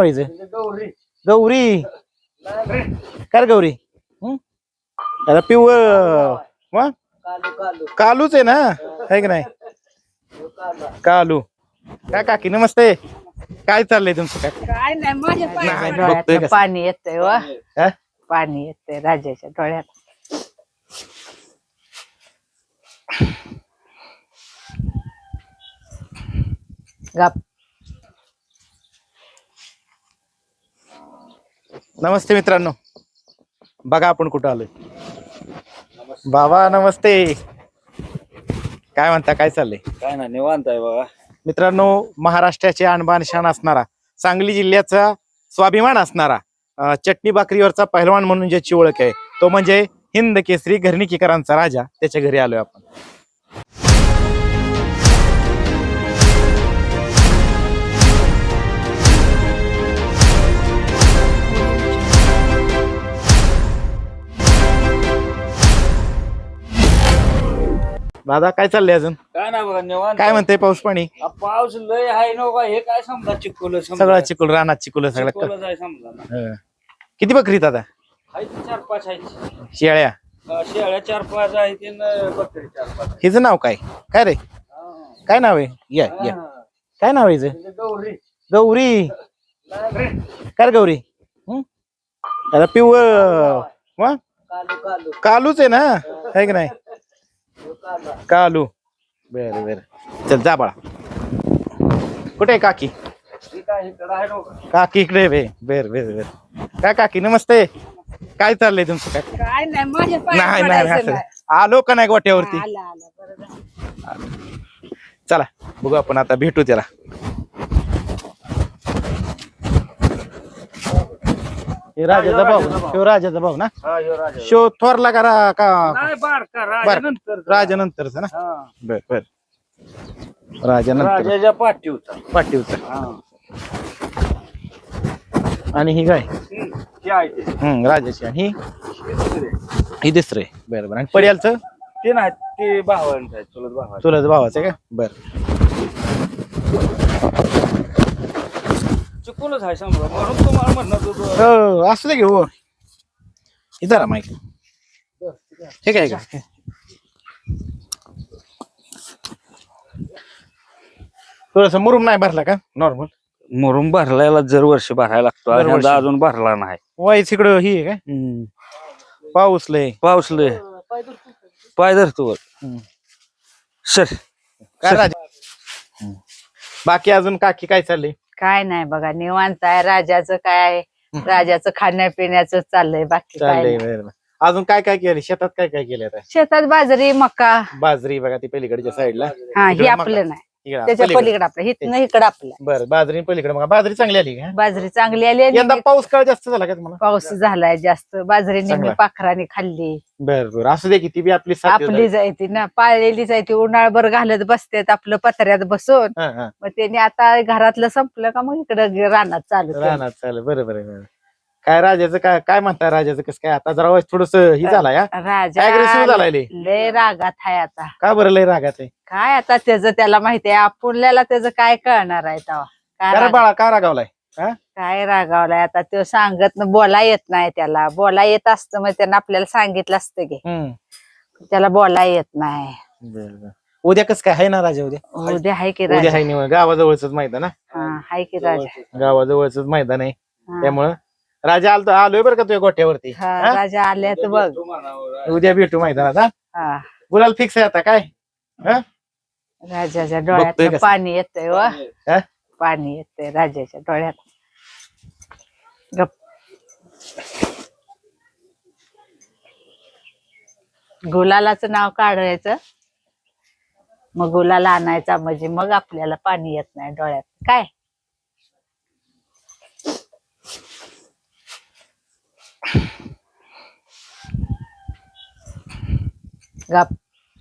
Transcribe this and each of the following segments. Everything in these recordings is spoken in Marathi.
नाव आहे हिचं? गौरी. काय रे गौरी? आता पिव कालूच आहे ना, है की नाही? कालू. काय काकी नमस्ते. काय चाललंय तुमचं? काय नाही माझ्या बघतोय डोळ्यात कसं. पाणी येतंय वा हा? पाणी येतंय राजाच्या डोळ्यात. गप. नमस्ते मित्रांनो, बघा आपण कुठं आलोय. बाबा नमस्ते. काय म्हणता, काय चाललंय? काय ना निवांत आहे बघा. मित्रांनो, महाराष्ट्राचे आणबान शान असणारा, सांगली जिल्ह्याचा स्वाभिमान असणारा, चटणी भाकरीवरचा पहिलवान म्हणून ज्याची ओळख आहे तो म्हणजे हिंद केसरी घरणीकीकरांचा राजा. त्याच्या घरी आलोय आपण. दादा काय चाललंय अजून? काय ना बघा निवांत. काय म्हणते पाऊस पाणी? पाऊस लय आहे ना बघा. हे काय समजा चिकोल सगळं चिकुल, रानात चिकुल सगळं. समजा ना. हं. किती बकरी दादा? आहेत 4-5 आहेत. शेळ्या? शेळ्या 4-5 आहेत आणि बकरी 4-5. हिचं नाव काय? काय रे, काय नाव आहे? या या, काय नाव आहे हिचं? गौरी. काय रे गौरी? आता पिव कालूच आहे ना, है की नाही? कालू. बर बर, चल जा बाळा. कुठे आहे काकी? काकी इकडे बे. बर बर बर. काय काकी नमस्ते. काय चाललंय तुमचं? काय काय नाही माझ्या नाही नाही असं आलो का नाही गोट्यावरती? चला बघू आपण आता, भेटू त्याला. हे राजाचा भाऊ, शिव राजाचा भाऊ ना? शिव थोरला का राजा नंतरचा ना? बर बर, राजा नंतर राजाच्या पाठीवचा. पाठीवचा. आणि ही काय? राजाची. आणि ही दुसरे. बर बर. आणि पड्यालचं ते नाही, ते भावांचं आहे, चुलत भावा. चुलत भावाचं आहे का? बर. चिकोलच आहे समजा, म्हणून तुम्हाला म्हणत होतो. हो असू दे घेऊ. इथं माहिती ठीक आहे का? थोडस मुरुम नाही भरला का? नॉर्मल मुरुम भरलायला जर वर्षी भरायला लागतो. दरवर्षी. अजून भरला नाही. वाईच इकडं ही आहे काय? पाऊस लय. पाऊस लय. पाय धरतो वर. सर काय राजा? बाकी अजून काकी काय चाललंय? काय नाही बघा निवांत आहे. राजाचं काय, राजाचं खाण्यापिण्याचं चाललंय, बाकी काय चाललंय. नाही. बरं. अजून काय काय केलं शेतात? काय काय केलं आता? शेतात बाजरी मका. बाजरी बघा ती पलीकडच्या साईडला. हा हे आपलं नाही, त्याच्या पलीकडे आपलं. हिथनं इकडं आपलं. बरं, बाजरी पलीकडे. मग बाजरी चांगली आली का? बाजरी चांगली आली आणि यंदा पाऊस काळ जास्त झाला का तुम्हाला? पाऊस झालाय जास्त. बाजरी नेहमी चांगला. पाखराने खाल्ली. बर बर, असू दे की ती बी आपली साथी आपली जायती ना, पाळलेली जायती. उन्हाळभर घालत बसतेत आपलं पत्र्यात बसून. मग त्यांनी आता घरातलं संपलं का मग इकडं रानात चालू केलं. रानात चालेल. बरोबर आहे. काय राजाचं काय काय म्हणताय? राजाचं कसं काय आता? जरा थोडस ही झालाय, राजा अग्रेसिव्ह झालाय लय. लय रागात आहे आता. का बरं लय रागात आहे? काय आता त्याचं त्याला माहिती आहे, आपल्याला त्याचं काय कळणार आहे तेव्हा. काय अरे बाळा का रागावलाय? काय रागावलाय आता? तो सांगत बोला येत नाही त्याला. बोला येत असतं मग त्यानं आपल्याला सांगितलं असतं की. त्याला बोला येत नाही. बरं. उद्या कसं काय आहे ना राजा? उद्या आहे की उद्या राजा? आहे निवड. गावाजवळच मैदान. हा आहे की राजा? गावाजवळच मैदान आहे. हा. त्यामुळं राजा आलोय बरं का तुझ्या गोट्यावरती. हा, राजा आले तर बघ. उद्या भेटू मैदानात. हा, गुलाल फिक्स आहे आता. काय राजाच्या बघतोय डोळ्यात कसं. पाणी येतंय वा. हा? पाणी येतंय राजाच्या डोळ्यात. गप. गुलालाचं नाव काढायचं, मग गुलाला आणायचा, म्हणजे मग आपल्याला पाणी येत नाही डोळ्यात. काय गप.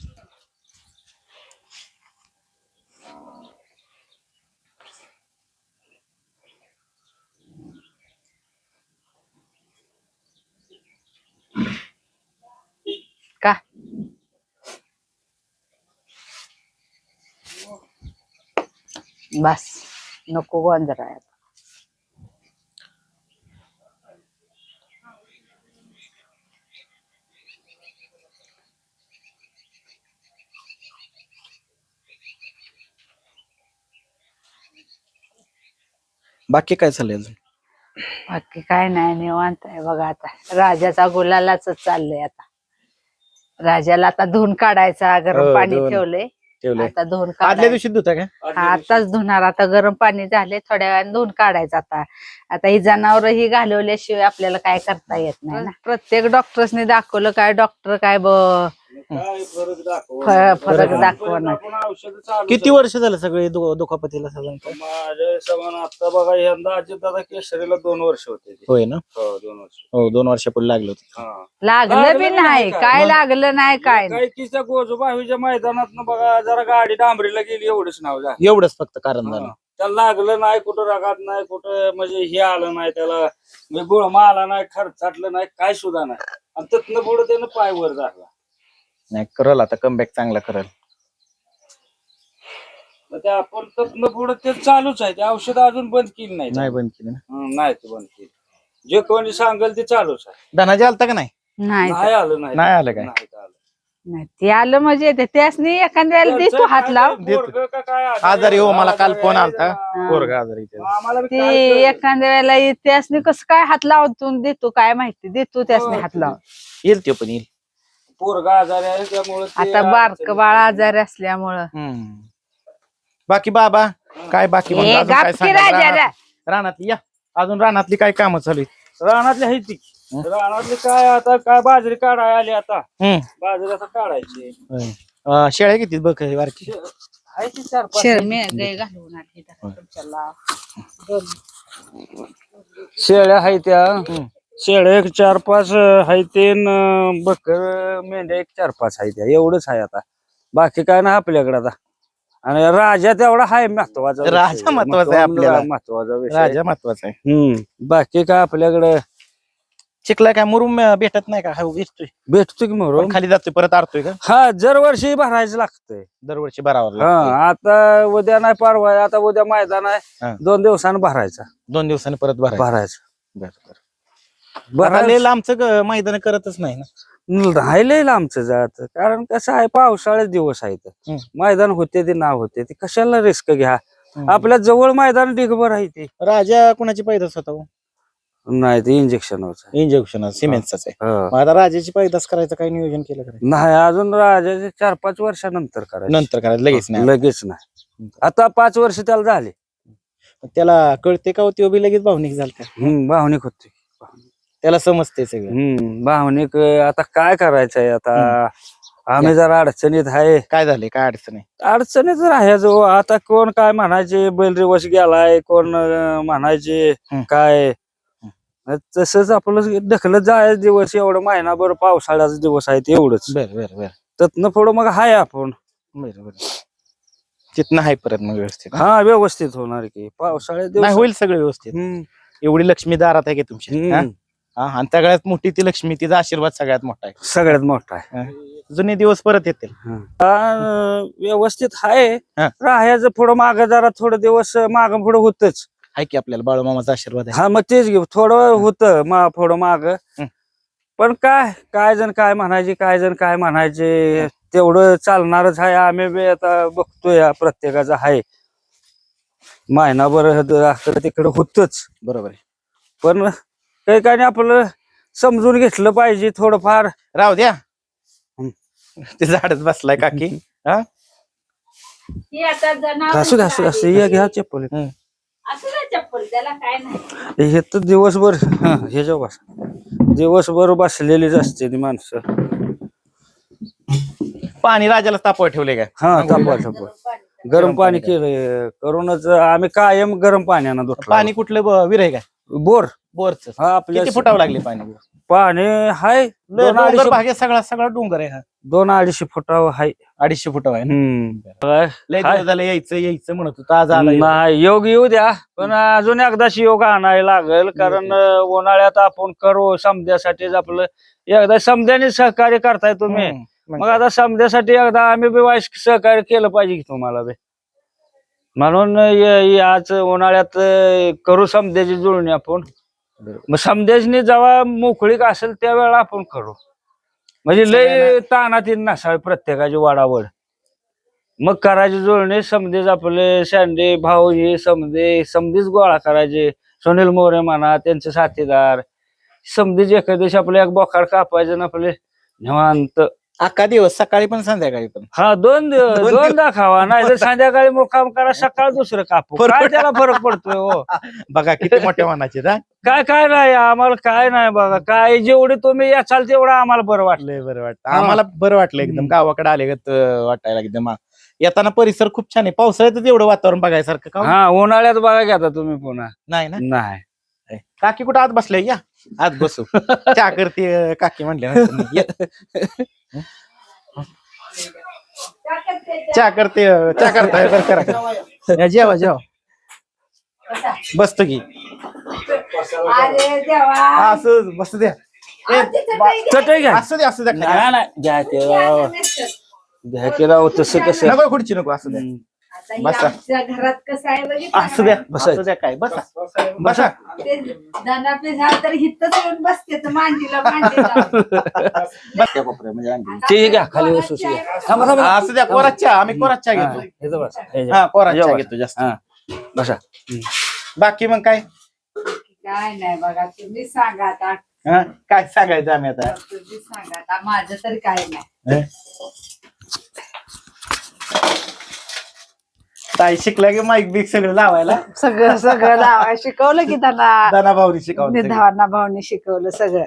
का बस नको गोंधळ. बाकी काय चाललंय अजून? बाकी काय नाही, निवांत आहे बघा. आता राजाचा गुलालाच चाललंय. आता राजाला आता धुवून काढायचा, गरम हो, पाणी धुवून ठेवलंय. ठेवलंय. आता धुवून आदल्या काढायचं. दिवशी धुता का? आताच धुणार. आता गरम पाणी झाले, थोड्या वेळाने धुवून काढायचं. आता ही जनावर ही घालवल्याशिवाय आपल्याला काय करता येत नाही ना. प्रत्येक डॉक्टरने दाखवलं, काय डॉक्टर काय काय फरक फरक दाखवणार. किती वर्ष झालं सगळे दुखापतीला साधारणतः? माझ्या समान आता बघा यंदा अजितदादा केसरीला 2 वर्ष होते ते. होय ना? हो 2 वर्ष. हो 2 वर्षापूर्वी लागलं होतं. हा. लागलं बी नाही, काय लागलं नाही, काय नाही. काय किस्सा गोजोबावीच्या मैदानात बघा जरा गाडी डांबरीला गेली एवढंच नाव झालं. एवढंच फक्त कारण झालं. त्याला लागलं नाही, कुठं रगात नाही, कुठं म्हणजे हे आलं नाही त्याला, म्हणजे गुळमा आला नाही, खर्चाटलं नाही, काय सुद्धा नाही. आणि तिथनं पुढे त्यानं पाय वर झाला. नाही करल आता कमबॅक चांगला करल. मग ते आपण तिथनं पुढे ते चालूच आहे. ते औषध अजून बंद केली नाही. नाही बंद केलं ना? नाही ते बंद केली. जे कोणी सांगेल ते चालूच आहे. धनाजी आलता का नाही? नाही नाही आलं नाही. नाही आलं काय? नाही आलं. नाही, ते आलं म्हणजे त्यासनी एखाद्या वेळेला देतो हात लाव. पोरगं का काय आजारी हो, मला काल फोन आहे, आलता. हा. पोरगा आजारी आहे. आम्हाला बी ते काय कळलं. एखाद्या वेळेला त्यासनी कसं काय हात लावतो देतो काय माहिती, देतो त्यासनी हात लाव. येईल तो पण येईल. पोरगा आजारी आहे त्यामुळे आता बारक बाळ आजारी असल्यामुळं. बाकी बाबा काय बाकी मग ए, अजून काय गप की सांगा? राजा. रानातली या अजून रानातली काय कामं चालू आहेत? रानातली आहे ती. रानातली काय आता काय बाजरी काढाय आली आता. हम्म. बाजरी आता काढायची. शेळ्या किती बघ बारकी? आहे ती 4-5. शेळ्या आहे त्या. शेळ्या एक 4-5 आहे ते, बकर मेंढ्या एक 4-5 आहे त्या. एवढंच आहे आता. बाकी काय नाही आपल्याकडे आता. आणि राजा तेवढा आहे महत्वाचा. राजा महत्वाचा आहे आपल्याला. महत्वाचा विषय. राजा महत्वाचा आहे. बाकी काय आपल्याकडे चिखला काय मुरुम भेटत नाही का? हा दिसतोय भेटतो की मग. खाली जातोय परत आरतोय का? हा दरवर्षी भरायचं लागतंय. दरवर्षी भरावं हा लागतंय. आता उद्या नाही परवा आहे, आता उद्या मैदान हा. आहे. 2 दिवसानं भरायचा. 2 दिवसांनी परत भरायचं. भरायचं भरायला आमचं मैदान करतच नाही ना. राहिलेलं आमचं जात. कारण कसं आहे, पावसाळ्यात दिवस आहेत. मैदान होते ते नाव होते ते, कशाला रिस्क घ्या. आपल्या जवळ मैदान डिगभर आहे ते. राजा कुणाची पैदास होता? नाही ते इंजेक्शन होत. इंजेक्शन सिमेंटचाच आहे. मग आता राजाची पैदास करायचं काय नियोजन केलं का? नाही अजून राजाचे 4-5 वर्षानंतर करायचं. नंतर करायचं लगेच नाही. लगेच नाही. आता 5 वर्ष त्याला झाले. त्याला कळते का होती बी लगेच भावनिक झालता? भावनिक होते. त्याला समजते सगळं. भावनिक आता काय करायचंय आता. आम्ही जरा अडचणीत आहे. काय झाले काय अडचण आहे? अडचणीत राहायचो. आता कोण काय म्हणायचे बैल रिवश गेलाय, कोण म्हणायचे काय. तसंच आपलं ढकलत जायचं दिवस. एवढं महिनाभर पावसाळ्याचा दिवस आहे ते एवढंच. बर त्यातनं पुढं मग हाय आपण. बर तिथनं आहे परत मग व्यवस्थित. हा व्यवस्थित होणार की पावसाळ्यात नाही दिवस. होईल सगळं व्यवस्थित. एवढी लक्ष्मी दारात आहे की तुमची. आणि सगळ्यात मोठी ती लक्ष्मी, तिचा आशीर्वाद सगळ्यात मोठा आहे. सगळ्यात मोठा आहे. जुने दिवस परत येतील. व्यवस्थित आहे. राहायचं पुढं माग जरा थोडं दिवस माग पुढं होतच आहे की आपल्याला बाळूमामाचा आशीर्वाद आहे. हा मग तेच घेऊ थोडं होतं पुढं माग. पण काय जण काय म्हणायचे, काय जण काय म्हणायचे, तेवढं चालणारच आहे. आम्ही बी आता बघतोय प्रत्येकाचं आहे. महिनाभर तिकडं होतच. बरोबर आहे. पण काही आपलं समजून घेतलं पाहिजे थोडंफार. राहू द्या ते झाडच बसलाय काकी. असू दे असू असू या घ्या चप्पल. चप्पल त्याला काय नाही. हे तर दिवसभर हे जेव्हा दिवसभर बसलेलीच असते ती माणसं. पाणी राजाला तापवा ठेवले काय? हा तापवा गरम पाणी केलं करूनच आम्ही कायम गरम पाण्यानं धुतलं. पाणी कुठलं विहीर आहे काय? बोर. बोरच. हा आपल्या किती फुटावं लागले पाणी? पाणी हाय 2-2.5 भाग आहे. सगळा डोंगर आहे. 2-2.5 फुटावं हाय. 250 फुटावं आहे. लय हाय. दिवस झालं यायचं म्हणत होतं. आज आला योग. नाही योग येऊ द्या पण अजून एकदाशी योग आणायला लागेल. कारण उन्हाळ्यात आपण करू समध्यासाठीच आपलं एकदा समध्याने सहकार्य करताय तुम्ही. मग आता समध्यासाठी एकदा आम्ही बी वाईस सहकार्य केलं पाहिजे की तुम्हाला बी. म्हणून आज उन्हाळ्यात करू समध्याची जुळणी आपण. मग समध्याची जेव्हा मोकळीक असेल त्यावेळेला आपण करू. म्हणजे लय ताणात नसावी प्रत्येकाची वाडावड. मग करायची जुळणी समधेच आपले शांडे भाऊ हे समधेच गोळा करायचे. सुनील मोरे म्हणा त्यांचे साथीदार समधेच एका दिवशी आपले एक बोखाड कापायचे ना आपले निवांत. अख्खा दिवस सकाळी पण संध्याकाळी पण. हा दोनदा खावा नाही तर संध्याकाळी मुक्काम करा सकाळ दुसरं कापू काय त्याला फरक पडतोय हो. बघा किती मोठ्या मनाचे ना. काय नाही आम्हाला काय नाही बघा काय जेवढे तुम्ही याचाल तेवढं आम्हाला बरं वाटलं. लय बरं वाटतं आम्हाला. बरं वाटलं एकदम गावाकडे आले वाटायला एकदम. येताना परिसर खूप छान आहे. पावसाळ्यातच एवढं वातावरण बघायसारखं का? हा उन्हाळ्यात बघा घेता तुम्ही पुन्हा नाही ना. नाही काकी कुठं आत बसले या आत बसू. चहा करते काकी म्हणले चहा करताय बरं करा. जेवा बसतो की असं बसू द्या. चटई घ्या असू द्या घ्या केला तसं कसं नको खुर्ची नको असू द्या. बसा. घरात कसं आहे असू द्या असू द्या काय बसा बसा. तर हिथच येऊन बसते तर मांडीला ते घ्या खाली बसू असू द्या. कोरात चहा आम्ही कोरात चहा घेतो. हा कोरात चहा घेतो जास्त. बसा. बाकी मग काय काय नाही बघा तुम्ही सांगा आता. काय सांगायचं आम्ही आता. तुम्ही सांगा आता माझं तरी काय नाही. ताई शिकला की माईक बिक सगळं लावायला. सगळं लावायला शिकवलं की त्यांना. दाना भाऊनी शिकवलं. धाना भाऊनी शिकवलं सगळं.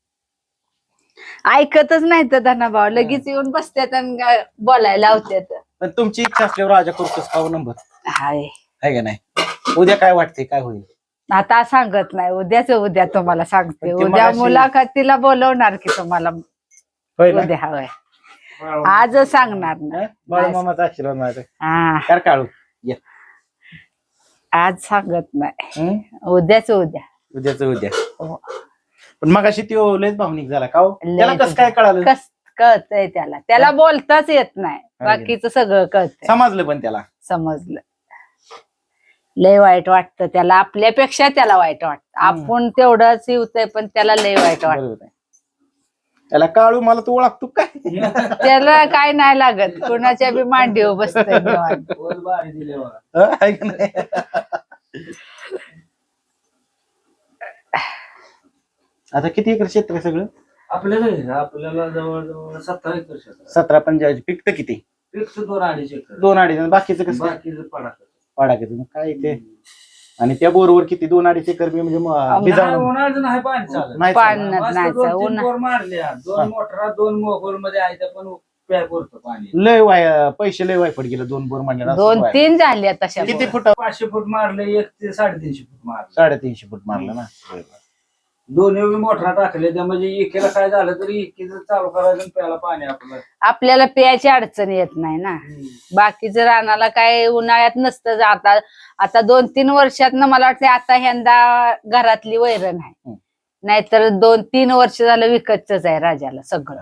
ऐकतच नाही तर धना भाऊ लगेच येऊन बसतात आणि बोलायला लावतात. पण तुमची इच्छा असल्यावर राजा करतोस का नंबर हाय आहे का नाही. उद्या काय वाटते काय होईल आता सांगत नाही. उद्या तुम्हाला सांगते. पण ते उद्या मगाशी- मुलाखतीला बोलवणार की तुम्हाला होय ना. उद्या हवंय. आज सांगणार ना. बाळूमामाचा आशीर्वाद माझा हा कर काढू. ये. आज सांगत नाही. उद्याच उद्या उद्या. हो. पण मग अशी ती लयच भावनिक झाला का हो? लय त्याला कसं काय कळालं? कळतंय त्याला बोलताच येत नाही. बाकीचं सगळं कळतंय. समजलं पण त्याला. समजलं. लय वाईट वाटतं त्याला. आपल्यापेक्षा त्याला वाईट वाटतं. आपण तेवढंच येतंय पण त्याला लय वाईट वाटतं. बरोबर आहे. त्याला काळू मला तू ओळखतो काय? त्याला काय नाही लागत. कुणाच्या बी मांडीवर बसतंय निवांत. आहे का नाही? आता किती एकर क्षेत्र आहे सगळं? आपल्याला जवळ 17 एकर क्षेत्र. 17 पंचायत पिकतं किती? 2-2.5 एकर. 2-2.5. बाकीचं कसं बाकीचं पडाक. पाडायचं मग काय ते. आणि त्या बोरवर किती 2-2.5 एकर म्हणजे भिजावून उन्हाळ्याचं नाही पाणी चालत. नाही पाणी चालणार. नाही चालत. 2-3 बोर मारल्या. 2 मोटरा 2 मोगोल मध्ये आहे त्या पण प्या पुरतं पाणी. लय पैसे लय वायपट गेलं 2 बोर म्हणलं. 2-3 झाले तशा. किती फूट? 500 फूट मारले. 1 ते 350 फूट मारले. 350 फूट मारलं ना. दोन्ही मोटरा टाकले त्या म्हणजे एकेला काय झालं तरी एकीचं चालू करायचं आणि प्यायला पाणी आपलं. आपल्याला प्यायची अडचण येत नाही ना. बाकीचं रानाला काय उन्हाळ्यात नसतं. आता 2-3 वर्षातनं मला वाटतं आता ह्यांदा घरातली वैरण आहे. नाहीतर 2-3 वर्ष झालं विकतच आहे राजाला सगळं.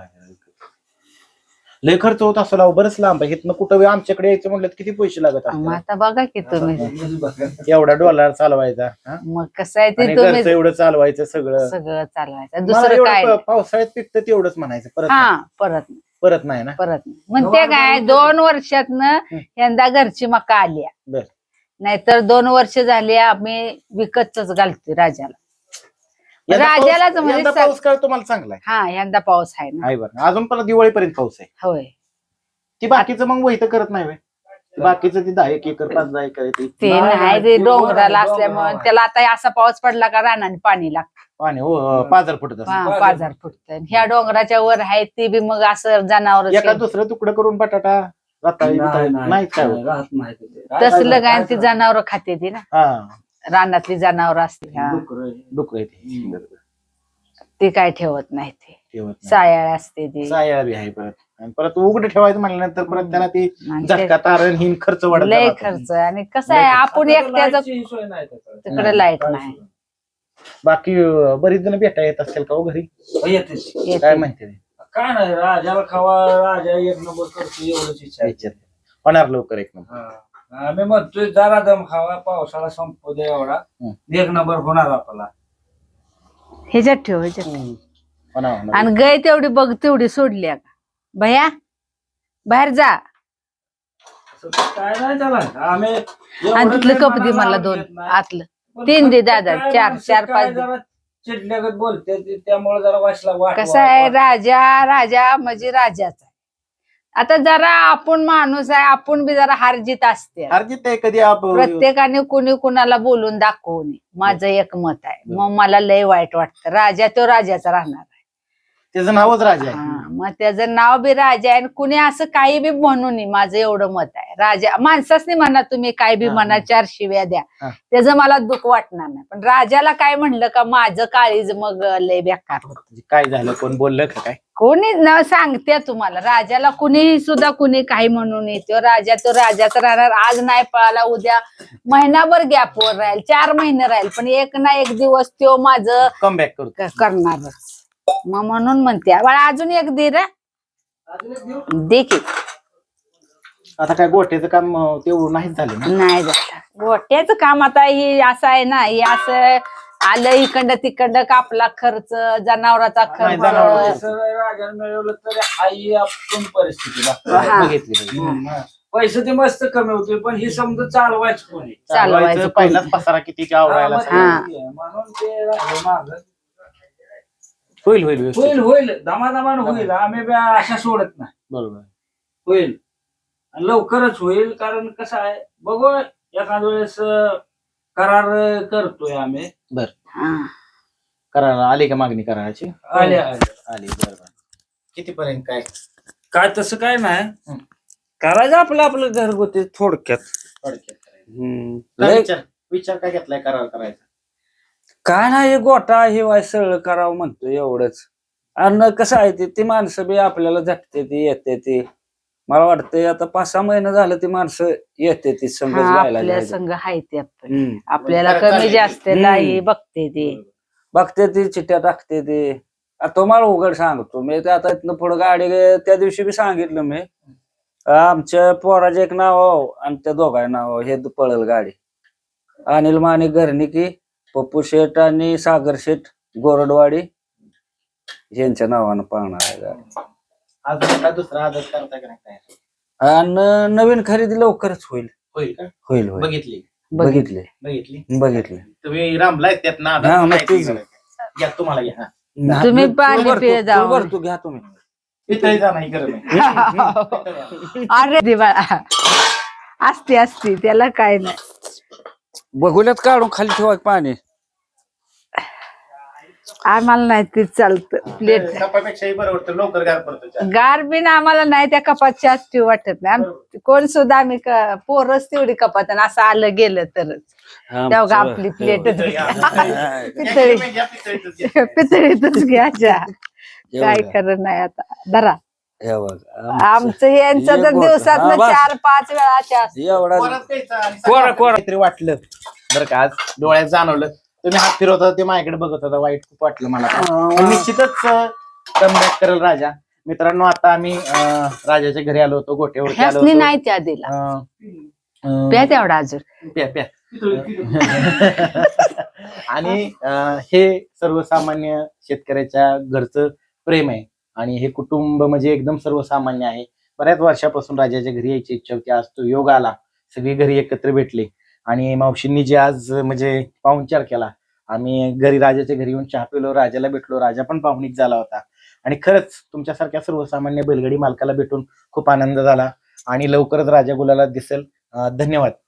लय खर्च होत असेल बरंच लांब आहे. इथनं कुठं आमच्याकडे यायचं म्हटलं तर किती पैसे लागत मग असतात. आता बघा की तुम्ही एवढा डॉलर चालवायचा. हा? मग कसं आहे ते आणि तुम्ही घरचं एवढं चालवायचं सगळं. सगळं चालवायचं. मला दुसरं एवढं काय नाही. पावसाळ्यात पिकतं तेवढंच म्हणायचं. परत हा नाही. परत नाही ना. म्हणते काय 2 वर्षातनं यंदा घरची मका आली. बर. नाहीतर 2 वर्ष झाली आम्ही विकतच घालतोय राजाला. राजालाच म्हणजे पाऊस काय तुम्हाला चांगला आहे. हा यंदा पाऊस आहे ना. आहे बरं. अजून पण दिवाळीपर्यंत पाऊस आहे. होय. ती बाकीचं मग वहित करत नाही व्हय? बाकीचं ती 10 एकर 5-10 एकर आहे ते नाही ते डोंगराला असल्यामुळे त्याला आता असा पाऊस पडला का रानाने पाणी लागतं. पाणी हो 5000 फुटत असतं. 5000 फुट. ह्या डोंगराच्या वर आहे ते बी मग असं जनावर एका दुसरं तुकडं करून बटाटा रताळी नाही काय होत. राहत नाही ते. तसलं काय ती जनावर खाते ती ना. हा रानातली जनावर असते. डुकर आहे ते. ते काय ठेवत नाही ते. ठेवत नाही. सायाळ असते ती. साया बी आहे परत. आणि परत उघड ठेवायचं म्हणल्यानंतर परत त्याला ती आणि ते झटका तारण हिन खर्च वाढत लय जातो. खर्च. आणि कसं आहे आपण एकट्याच तिकडे लाईट नाही. बाकी बरीच जण भेटा येत असतील का हो घरी? येते काय म्हणते ते? काय नाही राजाला खावा राजा 1 नंबर करतो एवढंच इच्छा आहे. विचार. होणार लवकर 1 नंबर. हा. आम्ही म्हणतोय जरा दम खावा पावसाळा संपू दे एवढा 1 नंबर होणार आपला. ह्याच्यात ठेव ह्याच्यात. होणार. आणि गाय तेवढी बघ तेवढी सोडली का भया बाहेर जा. काय नाही त्याला आम्ही आणि तिथलं कप दे मला 2 आतलं 3 दे दादा 4 5 दे. चिडल्यागत बोलते त्यामुळे जरा वाचला कसं आहे राजा म्हणजे राजाचा. आता जरा आपण माणूस आहे, आपण बी जरा हारजीत असते. अर्जित आहे कधी प्रत्येकाने कुणी कुणाला बोलून दाखवू नये, माझं एक मत आहे. मग मला लय वाईट वाटतं. राजा तो राजाचा राहणार आहे. त्याचं नावच राजा आहे. मग त्याचं नाव बी राजा आहे. कुणी असं काही बी म्हणू नये, माझं एवढं मत आहे. राजा माणसाच म्हणा, तुम्ही काय बी म्हणा, 4 शिव्या द्या, त्याचं मला दुःख वाटणार नाही. पण राजाला काय म्हणलं का माझं काळीज मग लय बेकार होत. काय झालं, कोण बोललं का काय? कोणी न सांगते तुम्हाला, राजाला कुणीही सुद्धा कुणी काही म्हणून येतो. तो राजाचा राहणार. आज नाही पळाला, उद्या महिनाभर गॅपवर राहील, 4 महिने राहील, पण एक ना एक दिवस तो माझं कमबॅक करणारच. मग म्हणून म्हणते बाळा अजून एक दे रे, दे की. आता काय गोठ्याचं काम तेवढं नाहीच झालं ना? नाही झालं गोट्याचं काम. आता ही असं आहे ना, हे असं आलं इकडं तिकडं, कापला खर्च, जनावराचा खर्च. राजाने मिळवलं तरी हाही आपण परिस्थिती बघितली. पैसे ते मस्त कमी होते, पण ही समजा चालवायचं कोणी चालवायचं पहिलाच पसारा किती आवडायला. म्हणून ते माग होईल होईल होईल होईल दमादमान होईल. आम्ही अशा सोडत नाही. बरोबर होईल आणि लवकरच होईल. कारण कसं आहे बघू, एखाद्या वेळेस करार करतोय आम्ही. बर करायला आली का मागणी करायची? आली बरोबर. कितीपर्यंत काय? काय तसं काय नाही, करायचं आपलं आपलं घरगुती थोडक्यात. विचार काय घेतलाय करार करायचा? काय नाही, गोटा हे वाय सरळ करावं म्हणतो एवढंच. आणि कसं आहे ती माणसं बी आपल्याला झटते ती येते ती. मला वाटतंय आता 5-6 महिने झालं ती माणसं येते ती संघ आपल्या संघ आहे ते. आपल्याला कमी जास्त नाही बघते ती चिठ्ठ्या टाकते ती. तुम्हाला उघड सांगतो मी, ते आता इथनं पुढे गाडी त्या दिवशी बी सांगितलं मी, आमच्या पोराचे एक नाव आणि त्या दोघांचे नाव हे पळल गाडी. अनिल माने घरनिकी, पप्पू शेठ आणि सागर शेठ गोरडवाडी यांच्या नावानं पाहणार आहे गाडी. दुसरा आदर करता का नाही? आणि नवीन खरेदी लवकरच होईल. होईल का? होईल बघितले. तुम्ही रामलाय त्यात ना? घ्या तुम्हाला घ्या. तुम्ही पाणी पिये जाऊ. तू घ्या तुम्ही. पितळीचा नाही गरम. अरे दिवाळा असते त्याला काय नाही. बघुल्यात काढून खाली ठेवा पाणी. आम्हाला नाही ते चालतं. प्लेट कपापेक्षाही बरं वाटतं, लवकर गार पडतो. गार बिन आम्हाला नाही, त्या कपात पिऊ वाटत नाही. कोण सुद्धा आम्ही पोरच तेवढी कपात, असं आलं गेलं तरच तेव्हा आपली प्लेटच पितळीतच घ्यायच्या. काय करत नाही आता. धरा आमचं यांचं तर दिवसात 4-5 वेळाच्या काहीतरी वाटलं बरं का, आज डोळ्यात जाणवलं. तुम्ही हात फिरवत होता ते माझ्याकडे बघत होता, वाईट खूप वाटलं मला. निश्चितच कमबॅक करेल राजा. मित्रांनो, आता आम्ही राजाच्या घरी आलो होतो, गोठ्यावरती आलो होतो. नाही त्या दिला प्या तेवढा अजून प्या. आणि हे सर्वसामान्य शेतकऱ्याच्या घरचं प्रेम आहे. आणि हे कुटुंब म्हणजे एकदम सर्वसामान्य आहे. बऱ्याच वर्षापासून राजाच्या घरी यायची इच्छा होती. आज तो योग आला, सगळी घरी एकत्र भेटले. आणि मावशींनी जे आज म्हणजे पाहुणचार केला, आम्ही घरी राजाच्या घरी येऊन चहा पिलो, राजाला भेटलो, राजा पण पाहुणीक झाला होता. आणि खरंच तुमच्यासारख्या सर्वसामान्य बैलगाडी मालकाला भेटून खूप आनंद झाला. आणि लवकरच राजा गुलाला दिसेल. धन्यवाद.